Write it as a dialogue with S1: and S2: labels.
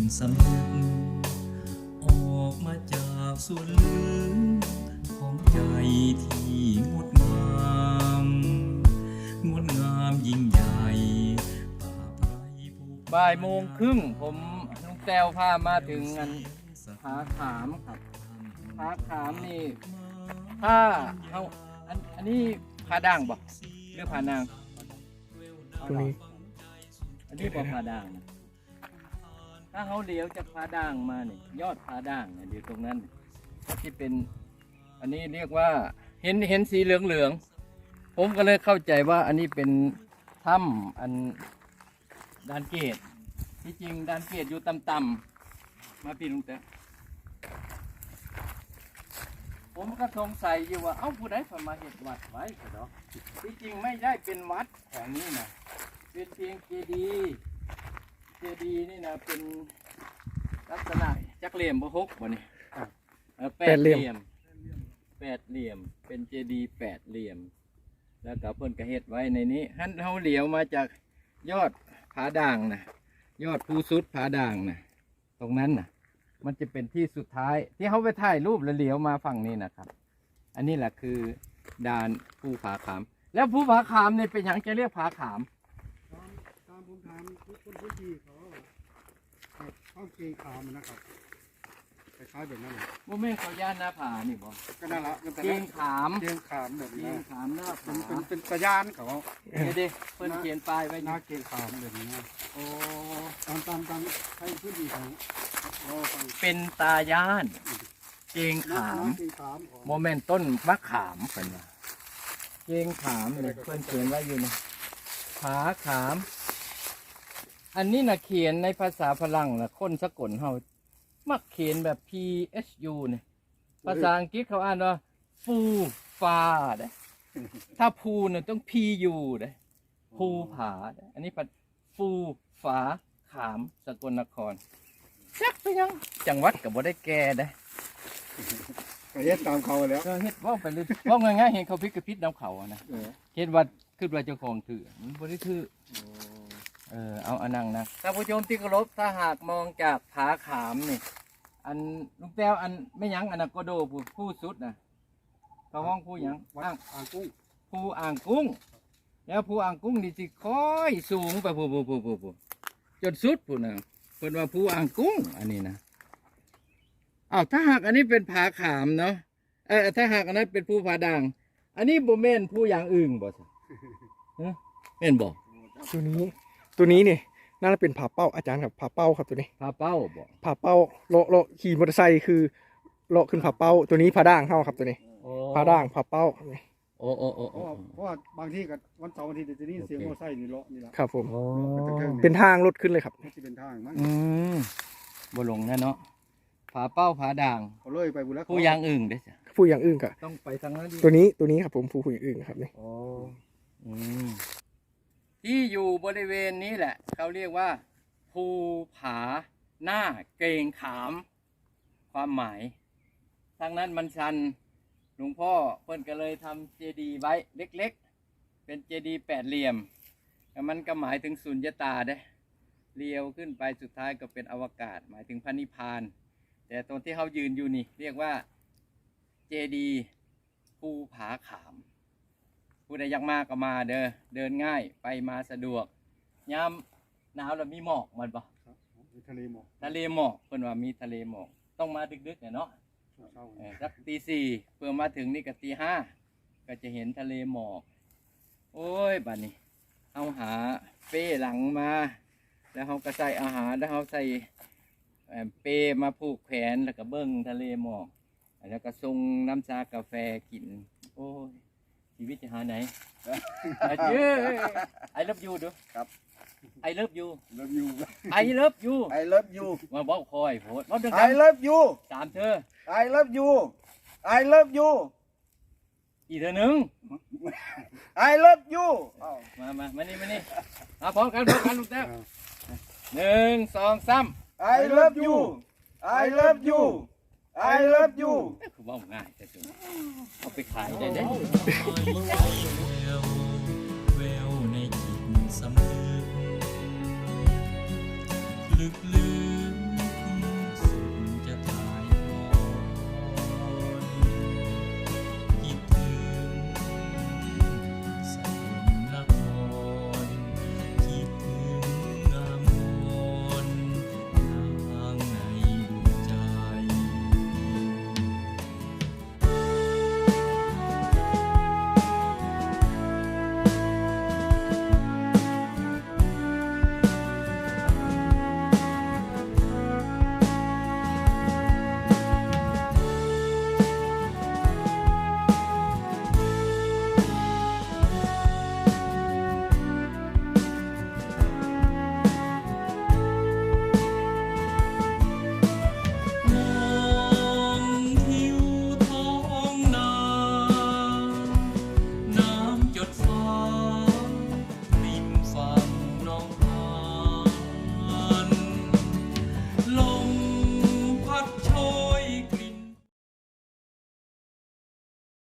S1: สำนึกออกมาจากส่วนลึกของใจที่งดงามงดงามยิ่งใหญ่ป่าไพรภู
S2: บ่ายโมงครึ่งผมลุงแต้วพามาถึงอันผาขามครับผาขามนี่ถ้าเอาอันนี้ผาด่างบ่หรือผานาง
S3: ตรงนี้
S2: อันนี้บ่ผาด่างนะถ้าเขาเลี้ยวจากผาด่างมาเนี่ยยอดผาด่างเนี่ยเดี๋ยวตรงนั้นก็ที่เป็นอันนี้เรียกว่าเห็นสีเหลืองๆผมก็เลยเข้าใจว่าอันนี้เป็นถ้ำอันดานเกตที่จริงดานเกตอยู่ต่ำๆมาพี่ลุงแต้วผมก็สงสัยอยู่ว่าเอ้าผู้ใดเพิ่นมาเฮ็ดวัดไว้ก็ดอกที่จริงไม่ได้เป็นวัดแถวนี้นะเป็นเพียงเจดีย์นี่นะเป็นลักษณะจักเหลี่ยมบ่ฮกบ่นี่แปดเหลี่ยมเป็นเจดีย์แปดเหลี่ยมแล้วก็เพิ่นก็เฮ็ดไว้ในนี้หันเฮาเหลียวมาจากยอดผาด่างนะยอดภูสุดผาด่างนะตรงนั้นนะมันจะเป็นที่สุดท้ายที่เขาไปถ่ายรูปแล้วเหลียวมาฝั่งนี้นะครับ อันนี้แหละคือด่านภูผาขามแล้วภูผาขามเนี่ยเป็นอย่างจะเรียกผาขาม
S3: ตามผมถามทุกคนพื้นที่เขาเข้าเกงขามนะครับคล้ายๆแบบนั้นเลย
S2: โมเมนเขาย่านหน้าผานี่บ่
S3: ก็นั่นละ
S2: เกงขาม
S3: เกงขามแบบ
S2: เก
S3: นี้
S2: งขามหน้าผา
S3: เป็นสยานเขา
S2: เด้เพิ่นเขียนป้ายไว้
S3: หน้า
S2: นี่
S3: เกงขามแบบนี้
S2: โอ้
S3: ตามใช้พื้นที่ของเราฟัง
S2: เป็นตาย่านเกงขาม
S3: เกงขามของ
S2: โมเมนต้นมะขามเพิ่นว่าเกงขามเนี่ยเพิ่นเขียนไว้อยู่นี่ผาขาม อันนี้นะเขียนในภาษาฝรั่งนะคนสกลเฮามักเขียนแบบ PSU เนี่ยภาษาอังกฤษเขาอ่านว่าฟูฟ้าเด้ถ้าภูเนี่ยต้อง PU เด้ภูผาเด้อันนี้ปัดฟูฟ้าขามสกลนครจักไปยังจังหวัดก็บ่ได้แก่เด้
S3: ก็เฮ็ดตามเขาแล้ว
S2: ก็เฮ็ดเว้าไปเลยเว้าง่ายๆเห็นเขาพิษกระพิษนำเขาอะนะเฮ็ดว่าคิดว่าเจ้าของถือมันบ่ได้ถือเอาอันนั้นนะท่านผู้ชมที่เคารพถ้าหากมองจากผาขามนี่อันลุงแต้วอันไม่ยั้งอันนั้นก็โดผู้สุดนะเขาห้องผู้หยัง
S3: วัด
S2: อ่าง
S3: อ่างกุ้ง
S2: ผู้อ่างกุ้งแล้วผู้อ่างกุ้งนี่สิค่อยสูงไปผู้จนสุดผู้นะเพิ่นว่าผู้อ่างกุ้งอันนี้นะอ้าวถ้าหากอันนี้เป็นผาขามเนาะถ้าหากอันนั้นเป็นผู้ผาด่าง อันนี้บ่แม่นผู้อย่างอื่นบ่ซะฮะแม่นบ่
S4: ตัวนี้เนี่ยน่าจะเป็นผาเป้าอาจารย์ครับผาเป้าครับตัวนี้
S2: ผาเป้าบ่
S4: ผาเป้าเลาะขี่มอเตอร์ไซค์คือเลาะขึ้นผาเป้าตัวนี้ผาด่างเข้าครับตัวนี้
S2: โอ้
S4: ผาด่างผาเป้า
S2: โอ้
S3: เพราะว่าบางที่กับวันเสาร์วันอาทิตย์จะนี่เสียงมอเตอร์ไซค์นี่เลาะนี่ละ
S4: ครับผม
S2: โอ้
S4: เป็นทางรถขึ้นเลยครับ
S3: มันจะเป็นทางมั้ง
S2: อืมบ่หลงแน่เนาะผาเป้าผาด่าง
S3: เขาเลยไปบุรีรัมย์
S2: ผู้อย่างอื่นเด้อจ้ะ
S4: ผู้อย่างอื่นกับ
S2: ต้องไปทางนั้นดิ
S4: ตัวนี้ครับผมผู้อย่างอื่นครับนี่
S2: โอ้อืมที่อยู่บริเวณนี้แหละ เขาเรียกว่าภูผาหน้าเกรงขาม ความหมายทางนั้นมันชันหลวงพ่อเพิ่นก็เลยทำเจดีย์ไว้เล็กๆ เป็นเจดีย์แปดเหลี่ยมแต่มันก็หมายถึงสุญญตาเด้เลี้ยวขึ้นไปสุดท้ายก็เป็นอวกาศ หมายถึงพระนิพพาน แต่ตรงที่เขายืนอยู่นี่ เรียกว่าเจดีย์ภูผาขาม ผู้ใดอยากมาก็มาเด้อเดินง่ายไปมาสะดวกยามหนาวแล้วมีหมอกมันบ่
S3: ทะเลหมอก
S2: ทะเลหมอกเพิ่นว่ามีทะเลหมอกต้องมาดึกๆเนาะ
S3: เช้า
S2: สักตี 4เพื่อมาถึงนี่ก็ตี 5ก็จะเห็นทะเลหมอกโอ้ยบัดนี้เอาหาเป้หลังมา แล้วเขาก็ใส่อาหารแล้วเขาใส่เป้มาผูกแขนแล้วก็เบิ้งทะเลหมอกแล้วก็ส่งน้ำชากาแฟกินโอ้ยชีวิตจะหาไหนเย้ไอเลิฟยูดูครับไอเลิฟยู
S3: เลิฟยู
S2: ไอเลิฟยู
S3: I love you
S2: มาบอกคอยโพดบอกดัง
S3: I love you
S2: ๆสามเธอ
S3: I love you I love you
S2: อีกเธอหนึ่ง
S3: I love you
S2: มานี่มาพร้อมกันลูกแต้ว1 2 3
S3: I love you I love you I love you
S2: คือว่าง่ายแต่สุดเอาไปขายได้เด้
S1: แววในจิตสำนึกลึก